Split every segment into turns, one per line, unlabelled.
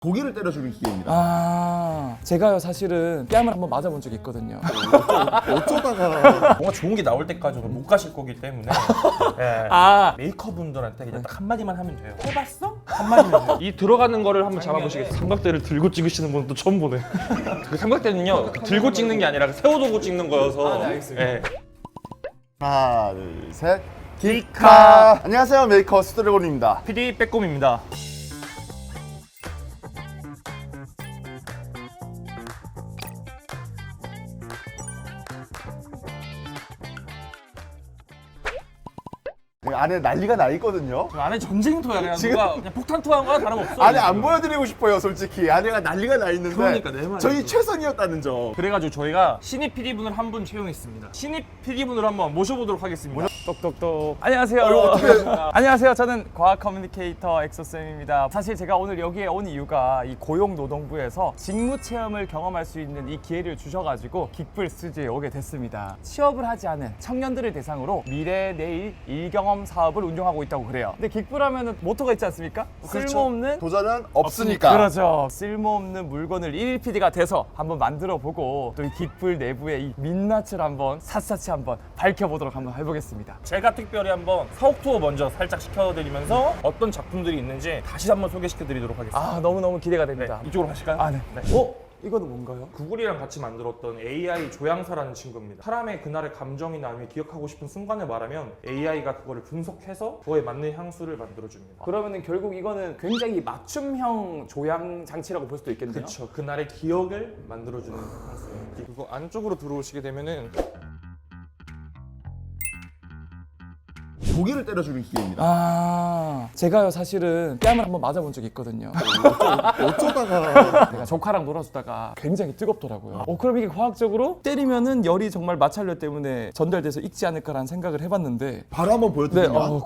고기를 때려주는 기계입니다.
제가요 사실은 뺨을 한번 맞아본 적이 있거든요.
어쩌다가
뭔가 좋은 게 나올 때까지는 못 가실 거기 때문에 예. 메이커분들한테 그냥 딱 한마디만 하면 돼요. 해봤어? 한마디면 돼요.
이 들어가는 거를 한번 잡아보시겠어요? 삼각대를 들고 찍으시는 분은 또 처음 보네. 그 삼각대는요 들고 찍는 게 아니라 세워두고 찍는 거여서.
네, 알겠습니다.
예.
하나 둘셋 기카. 안녕하세요, 메이커 스트레곤입니다.
PD 빼꼼입니다.
안에 난리가 나 있거든요.
그 안에 전쟁터야. 그냥
지금-
누가 그냥 폭탄 투하한 거나 다름없어.
안에 안 보여드리고 싶어요, 솔직히. 안에가 난리가 나 있는데.
그러니까 내 말이야.
저희 최선이었다는 점.
그래가지고 저희가 신입 PD분을 한 분 채용했습니다. 신입 PD분을 한번 모셔보도록 하겠습니다.
똑똑똑. 안녕하세요. 안녕하세요. 저는 과학 커뮤니케이터 엑소쌤입니다. 사실 제가 오늘 여기에 온 이유가 이 고용노동부에서 직무 체험을 경험할 수 있는 이 기회를 주셔가지고 긱불 스튜디오에 오게 됐습니다. 취업을 하지 않은 청년들을 대상으로 미래 내일 일경험 사업을 운영하고 있다고 그래요. 근데 긱불 하면은 모토가 있지 않습니까? 쓸모없는
도전은 없으니까.
그렇죠. 쓸모없는 물건을 1일 PD가 돼서 한번 만들어 보고 또 이 긱불 내부의 이 민낯을 한번 샅샅이 한번 밝혀보도록 한번 해보겠습니다.
제가 특별히 한번 사옥 투어 먼저 살짝 시켜드리면서 어떤 작품들이 있는지 다시 한번 소개시켜드리도록 하겠습니다.
아, 너무너무 기대가 됩니다.
이쪽으로 가실까요?
아, 네. 이거는 뭔가요?
구글이랑 같이 만들었던 AI 조향사라는 친구입니다. 사람의 그날의 감정이나 아니면 기억하고 싶은 순간을 말하면 AI가 그거를 분석해서 그거에 맞는 향수를 만들어줍니다.
그러면은 결국 이거는 굉장히 맞춤형 조향 장치라고 볼 수도 있겠네요.
그렇죠. 그날의 기억을 만들어주는 향수예요. 그리고 안쪽으로 들어오시게 되면은
고기를 때려주는 기계입니다.
제가요 사실은 뺨을 한번 맞아본 적이 있거든요.
어쩌다가
제가 조카랑 놀아주다가 굉장히 뜨겁더라고요. 그럼 이게 과학적으로 때리면은 열이 정말 마찰력 때문에 전달돼서 익지 않을까라는 생각을 해봤는데
바로 한번
네,
보여드리면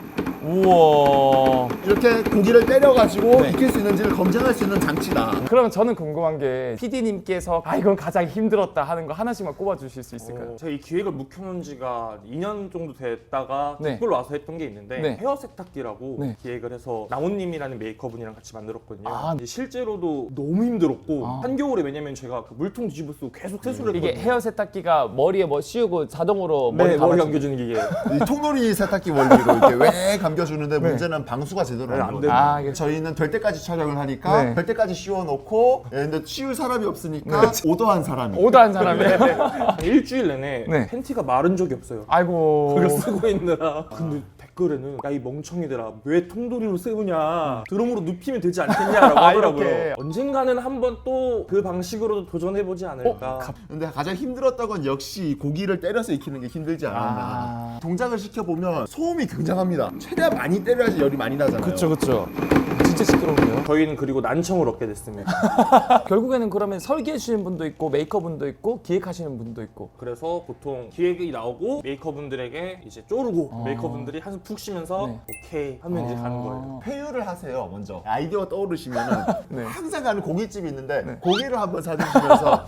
우와.
이렇게 고기를 때려가지고
네.
익힐 수 있는지를 검증할 수 있는 장치다.
그러면 저는 궁금한 게 PD님께서 이건 가장 힘들었다 하는 거 하나씩만 꼽아주실 수 있을까요?
제가 이 기획을 묵혀놓은 지가 2년 정도 됐다가
네.
빅불로 와서 했던 게 있는데
네.
헤어 세탁기라고
네.
기획을 해서 나온님이라는 메이커분이랑 같이 만들었거든요.
아.
근데 실제로도 너무 힘들었고
아.
한겨울에 왜냐면 제가 그 물통 뒤집어 쓰고 계속 세수를
이게
했거든요.
헤어 세탁기가 머리에 뭐 씌우고 자동으로
네,
머리
머리
감아주-
감겨주는 기계.
이 통돌이 세탁기 원리로 이렇게 왜 감겨주는데 문제는 방수가 제대로
네,
안
안
돼요.
아, 이게-
저희는 될 때까지 촬영을 하니까
네.
될 때까지 씌워놓고 근데 씌울 사람이 없으니까 오더한 사람이
오더한 사람이.
일주일 내내
네.
팬티가 마른 적이 없어요.
아이고.
그거 쓰고 있느라. 근데 댓글에는 야 이 멍청이들아 왜 통돌이로 세우냐 드럼으로 눕히면 되지 않겠냐라고 하더라고요.
이렇게.
언젠가는 한번 또 그 방식으로도 도전해보지 않을까.
근데 가장 힘들었던 건 역시 고기를 때려서 익히는 게 힘들지 않았나. 동작을 시켜보면 소음이 굉장합니다. 최대한 많이 때려야지 열이 많이 나잖아요.
그쵸. 진짜 시끄러운데요?
저희는 그리고 난청을 얻게 됐습니다.
결국에는 그러면 설계해 주시는 분도 있고 메이커 분도 있고 기획하시는 분도 있고.
그래서 보통 기획이 나오고 메이커분들에게 이제 쪼르고 메이커분들이 한숨 푹 쉬면서
네.
오케이 하면 이제 가는 거예요.
회유를 하세요 먼저. 아이디어 떠오르시면은
네.
항상 가는 고깃집이 있는데 고기를 한번 사드시면서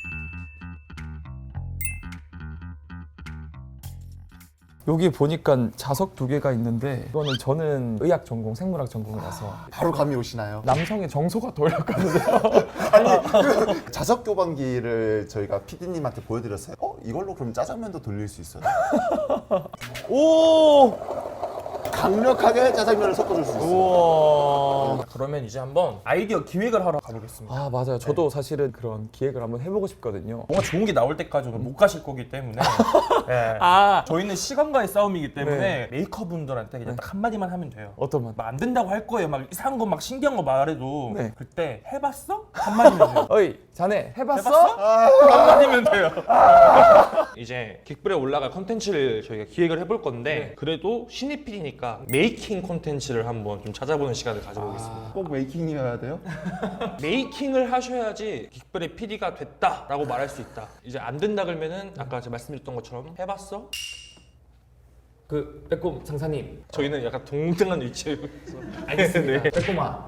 여기 보니까 자석 2개가 있는데 이거는 저는 의학 전공, 생물학 전공이라서
바로 감이 오시나요?
남성의 정서가 돌렸거든요.
아니 그 자석 교반기를 저희가 PD님한테 보여드렸어요. 이걸로 그럼 짜장면도 돌릴 수 있어요?
오!
강력하게 짜장면을 섞어줄 수 있어요.
우와.
그러면 이제 한번 아이디어 기획을 하러 가보겠습니다.
맞아요. 저도 사실은 그런 기획을 한번 해보고 싶거든요.
뭔가 좋은 게 나올 때까지는 못 가실 거기 때문에 예. 저희는 시간과의 싸움이기 때문에
네.
메이커분들한테 그냥 딱 한마디만 하면 돼요.
어떤 말?
막 안 된다고 할 거예요. 막 이상한 거 막 신기한 거 말해도
네.
그때 해봤어? 한마디면 돼요.
어이, 자네 해봤어?
한마디면 돼요.
이제 긱불에 올라갈 컨텐츠를 저희가 기획을 해볼 건데 그래도 신입 PD니까 메이킹 컨텐츠를 한번 좀 찾아보는 시간을 가져보겠습니다.
꼭 메이킹이어야 돼요?
메이킹을 하셔야지 긱불의 PD가 됐다라고 말할 수 있다. 이제 안 된다 그러면은 아까 제가 말씀드렸던 것처럼 해봤어?
그 빼꼼 상사님
저희는 약간 동등한 위치에
알겠습니다.
네.
빼꼼아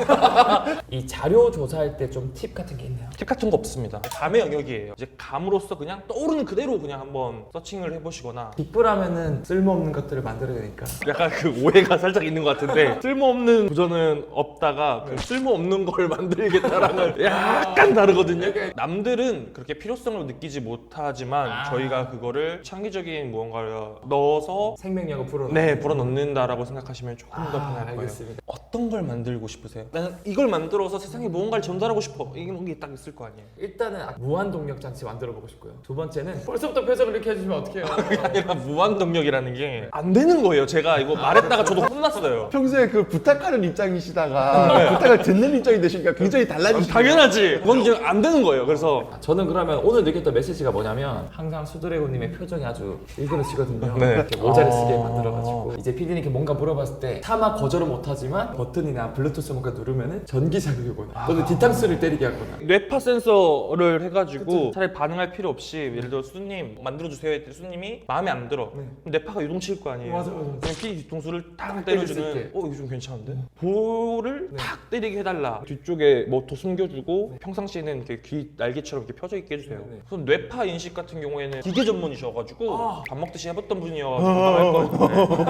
이 자료 조사할 때 좀 팁 같은 게 있나요?
팁 같은 거 없습니다. 감의 영역이에요. 이제 감으로서 그냥 떠오르는 그대로 그냥 한번 서칭을 해보시거나
빅브라면은 쓸모없는 것들을 만들어야 되니까
약간 그 오해가 살짝 있는 것 같은데 쓸모없는 부전은 없다가 그 쓸모없는 걸 만들겠다라는 약간 다르거든요. 남들은 그렇게 필요성을 느끼지 못하지만 저희가 그거를 창의적인 무언가를 넣어서
생명력을 불어
네 불어넣는다라고 생각하시면 조금 더 편할 거예요.
알겠습니다.
어떤 걸 만들고 싶으세요? 나는 이걸 만들어서 세상에 무언가를 전달하고 싶어. 이런 게 딱 있을 거 아니에요.
일단은 무한 동력 장치 만들어 보고 싶고요. 두 번째는 벌써부터 표정을 이렇게 해주시면 어떡해요?
아니라 무한 동력이라는 게 안 되는 거예요. 제가 이거 말했다가 저도 혼났어요.
평소에 그 부탁하는 입장이시다가 부탁을 듣는 입장이 되시니까 굉장히 달라지시죠.
당연하지. 그건 이제 안 되는 거예요. 그래서
저는 그러면 오늘 느꼈던 메시지가 뭐냐면 항상 수드래곤님의 표정이 아주 일그러지거든요.
네.
이렇게 모자를 쓰게 만들어가지고 이제 PD님께 뭔가 물어봤을 때 차마 거절은 못하지만 버튼이나 블루투스 뭔가 누르면은 전기 자극이 오거나 또는 뒤통수를 때리게 하거나
뇌파 센서를 해가지고 차라리 반응할 필요 없이 예를 들어 수님 만들어주세요 했더니 수님이 마음에 안 들어. 그럼 뇌파가 요동칠 거 아니에요.
맞아.
그냥 PD 뒤통수를 탁
때릴 수
때려주는
있게.
이거 좀 괜찮은데? 볼을 탁 때리게 해달라. 뒤쪽에 뭐 더 숨겨주고 평상시에는 이렇게 귀 날개처럼 이렇게 펴져 있게 해주세요. 그럼 뇌파 인식 같은 경우에는 기계 전문이셔가지고 밥 먹듯이 해봤던 분이어가지고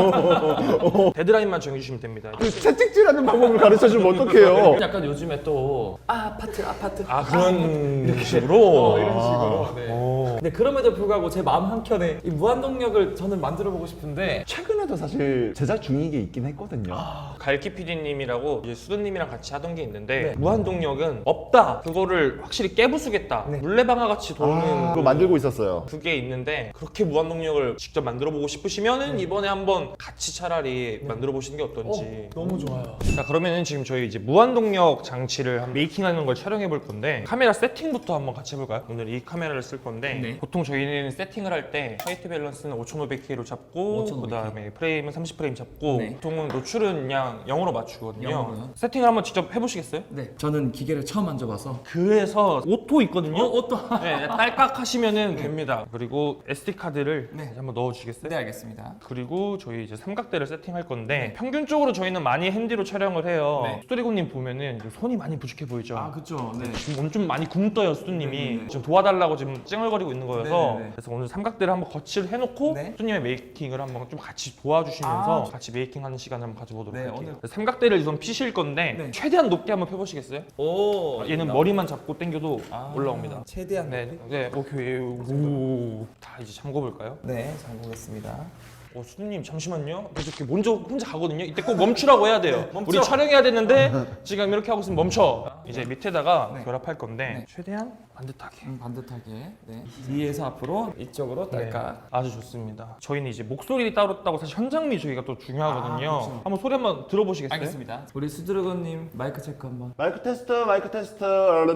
할 거예요. 데드라인만 정해주시면 됩니다.
그 채찍질하는 방법을 가르쳐 주면 어떡해요?
약간 요즘에 또 아파트
아 그런 식으로?
이런 식으로 네. 근데 그럼에도 불구하고 제 마음 한켠에 이 무한동력을 저는 만들어 보고 싶은데
최근에도 사실 제작 중인 게 있긴 했거든요.
갈키 PD님이라고 이제 수드님이랑 같이 하던 게 있는데
네.
무한동력은 없다. 그거를 확실히 깨부수겠다.
네.
물레방아 같이 도는
그거 만들고 있었어요.
그게 있는데 그렇게 무한동력을 직접 만들어 보고 싶으시면은 이번에 한번 같이 차라리 만들어 보시는 게 어떤지.
너무 좋아요.
자 그러면은 지금 저희 이제 무한동력 장치를 한번 메이킹하는 걸 촬영해 볼 건데 카메라 세팅부터 한번 같이 해볼까요? 오늘 이 카메라를 쓸 건데
네.
보통 저희는 세팅을 할 때 화이트 밸런스는 5500K로 잡고
5500K.
그다음에 프레임은 30프레임 잡고
네.
보통은 노출은 그냥 0으로 맞추거든요.
0으로요?
세팅을 한번 직접 해보시겠어요?
네, 저는 기계를 처음 만져봐서
그래서 오토 있거든요.
옷도
네, 딸깍 하시면은 됩니다. 그리고 SD 카드를
네.
한번 넣어주시겠어요?
네 알겠습니다.
그리고 저희 이제 삼각대를 세팅할 건데 평균적으로 저희는 많이 핸디로 촬영을 해요.
네.
스토리고님 보면은 지금 손이 많이 부족해 보이죠?
그쵸. 네.
지금 오늘 좀 많이 굶떠요 수두님이.
네네네.
지금 도와달라고 지금 찡얼거리고 있는 거여서
네네네.
그래서 오늘 삼각대를 한번 거치를 해놓고
네.
수두님의 메이킹을 한번 좀 같이 도와주시면서
아.
같이 메이킹하는 시간을 한번 가져보도록
네,
할게요.
오늘-
삼각대를 우선 피실 건데
네.
최대한 높게 한번 펴보시겠어요?
오.
얘는 머리만 잡고 당겨도 올라옵니다.
최대한
네, 네, 오케이. 오, 다 이제 잠궈 볼까요?
네, 잘 보겠습니다.
수두님 잠시만요. 이렇게 먼저 혼자 가거든요. 이때 꼭 멈추라고 해야 돼요.
멈춰.
우리 촬영해야 되는데 지금 이렇게 하고 있으면 멈춰. 이제 밑에다가
네.
결합할 건데
네.
최대한 반듯하게.
반듯하게. 네. 뒤에서 앞으로 이쪽으로
네,
딸깍.
아주 좋습니다. 저희는 이제 목소리 따로 사실 현장미 저희가 또 중요하거든요.
그렇죠.
한번 소리 한번 들어보시겠어요?
알겠습니다. 우리 수드래곤님 마이크 체크 한번.
마이크 테스트, 마이크 테스트.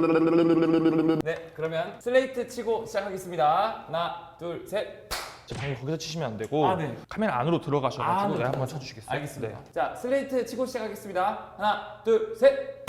네, 그러면 슬레이트 치고 시작하겠습니다. 하나, 둘, 셋.
방금 거기서 치시면 안 되고
네.
카메라 안으로 들어가셔가지고
네,
네, 한번 쳐주시겠어요?
알겠습니다.
네.
자, 슬레이트 치고 시작하겠습니다. 하나, 둘, 셋.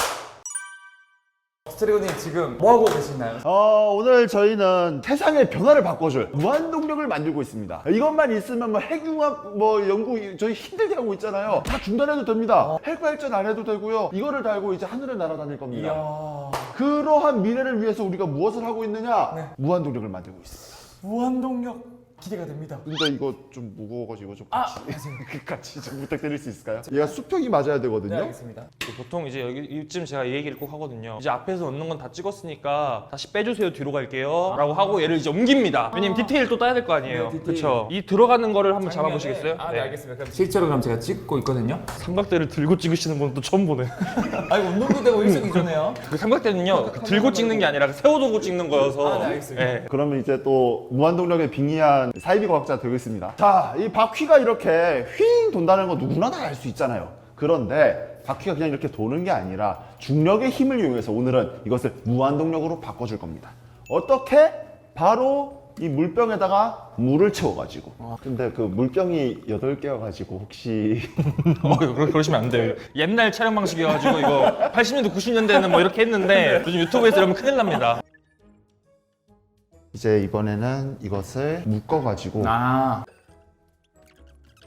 스트레고님 지금 뭐 하고 계시나요?
오늘 저희는 세상의 변화를 바꿔줄 무한동력을 만들고 있습니다. 이것만 있으면 뭐 핵융합 뭐 연구 저희 힘들게 하고 있잖아요. 다 중단해도 됩니다. 핵 발전 안 해도 되고요. 이거를 달고 이제 하늘을 날아다닐 겁니다.
이야.
그러한 미래를 위해서 우리가 무엇을 하고 있느냐? 무한동력을 만들고 있습니다.
무한동력 기대가 됩니다.
근데 이거 좀 무거워가지고 좀
아,
같이 좀 부탁드릴 수 있을까요? 얘가 수평이 맞아야 되거든요.
네, 알겠습니다.
보통 이제 여기 이쯤 제가 이 얘기를 꼭 하거든요. 이제 앞에서 얻는 건 다 찍었으니까 다시 빼주세요 뒤로 갈게요 라고 하고 얘를 이제 옮깁니다. 왜냐면 디테일 또 따야 될 거 아니에요.
네, 디테일.
그렇죠. 이 들어가는 거를 한번 잡아보시겠어요?
네, 알겠습니다. 그럼 실제로 그럼 제가 찍고 있거든요.
삼각대를 들고 찍으시는 분은 또 처음 보네.
아니 운동도 되고 일석이조네요.
그 삼각대는요 그 들고 찍는 게 아니라 그 세워두고 찍는 거여서.
네, 알겠습니다.
네.
그러면 이제 또 무한동력에 빙의한 사이비 과학자 되겠습니다. 자, 이 바퀴가 이렇게 휘잉 돈다는 거 누구나 다 알 수 있잖아요. 그런데 바퀴가 그냥 이렇게 도는 게 아니라 중력의 힘을 이용해서 오늘은 이것을 무한동력으로 바꿔줄 겁니다. 어떻게? 바로 이 물병에다가 물을 채워가지고. 근데 그 물병이 8개여가지고 혹시
그러시면 안 돼요. 옛날 촬영 방식이어가지고 이거 80년대 90년대에는 뭐 이렇게 했는데 요즘 유튜브에서 이러면 큰일 납니다.
이제 이번에는 이것을 묶어가지고
아.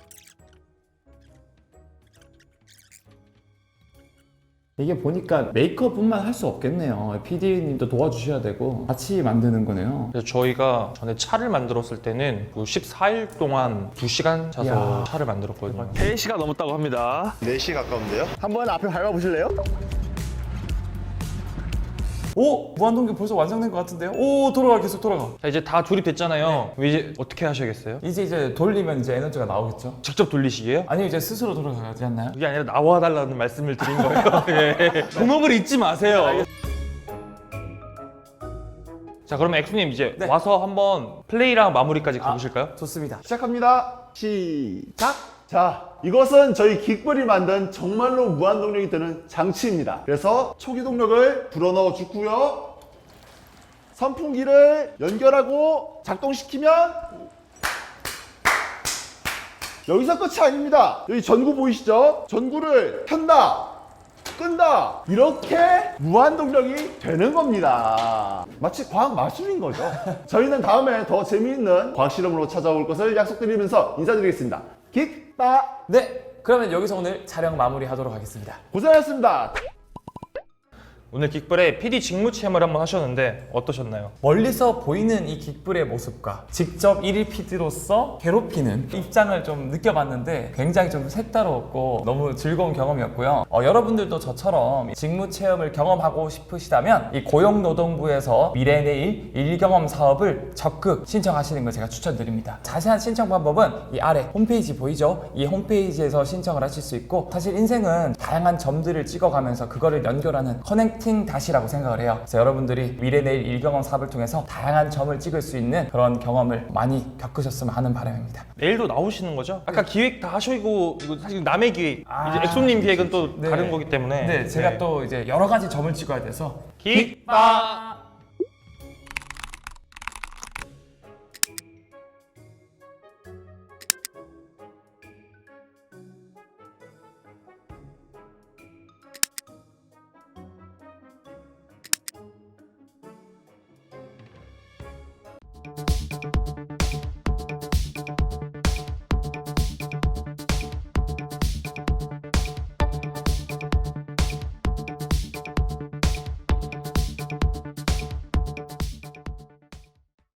이게 보니까 메이크업뿐만 할 수 없겠네요. PD님도 도와주셔야 되고 같이 만드는 거네요.
그래서 저희가 전에 차를 만들었을 때는 14일 동안 2시간 자서 차를 만들었거든요. 3시가 넘었다고 합니다.
4시 가까운데요? 한번 앞에 밟아보실래요?
오! 무한동기 벌써 완성된 것 같은데요? 오, 돌아가, 계속 돌아가.
자, 이제 다 조립됐잖아요. 이제 어떻게 하셔야겠어요?
이제 돌리면 이제 에너지가 나오겠죠?
직접 돌리시게요?
아니면 이제 스스로 돌아가지 않나요?
그게 아니라 나와달라는 말씀을 드린 거예요. 예. 종업을 잊지 마세요. 자, 그러면 엑소님 이제
네.
와서 한번 플레이랑 마무리까지 가보실까요?
좋습니다.
시작합니다. 시작! 자, 이것은 저희 긱불이 만든 정말로 무한동력이 되는 장치입니다. 그래서 초기 동력을 불어넣어 주고요. 선풍기를 연결하고 작동시키면 여기서 끝이 아닙니다. 여기 전구 보이시죠? 전구를 켠다, 끈다, 이렇게 무한동력이 되는 겁니다. 마치 과학 마술인 거죠. 저희는 다음에 더 재미있는 과학 실험으로 찾아올 것을 약속드리면서 인사드리겠습니다. 긱빠
네, 그러면 여기서 오늘 촬영 마무리하도록 하겠습니다.
고생하셨습니다.
오늘 긱불에 PD 직무 체험을 한번 하셨는데 어떠셨나요?
멀리서 보이는 이 긱불의 모습과 직접 1일 PD로서 괴롭히는 입장을 좀 느껴봤는데 굉장히 좀 색다르고 너무 즐거운 경험이었고요. 여러분들도 저처럼 직무 체험을 경험하고 싶으시다면 이 고용노동부에서 미래 내일 일경험 사업을 적극 신청하시는 걸 제가 추천드립니다. 자세한 신청 방법은 이 아래 홈페이지 보이죠? 이 홈페이지에서 신청을 하실 수 있고, 사실 인생은 다양한 점들을 찍어가면서 그거를 연결하는 커넥팅 다시라고 생각을 해요. 그래서 여러분들이 미래 내일 일경험 사업을 통해서 다양한 점을 찍을 수 있는 그런 경험을 많이 겪으셨으면 하는 바람입니다.
내일도 나오시는 거죠? 아까 기획 다 하시고 이거 사실 남의 기획, 이제 엑소님 기획은 또
네.
다른 거기 때문에
네, 제가 또 이제 여러 가지 점을 찍어야 돼서
긱빠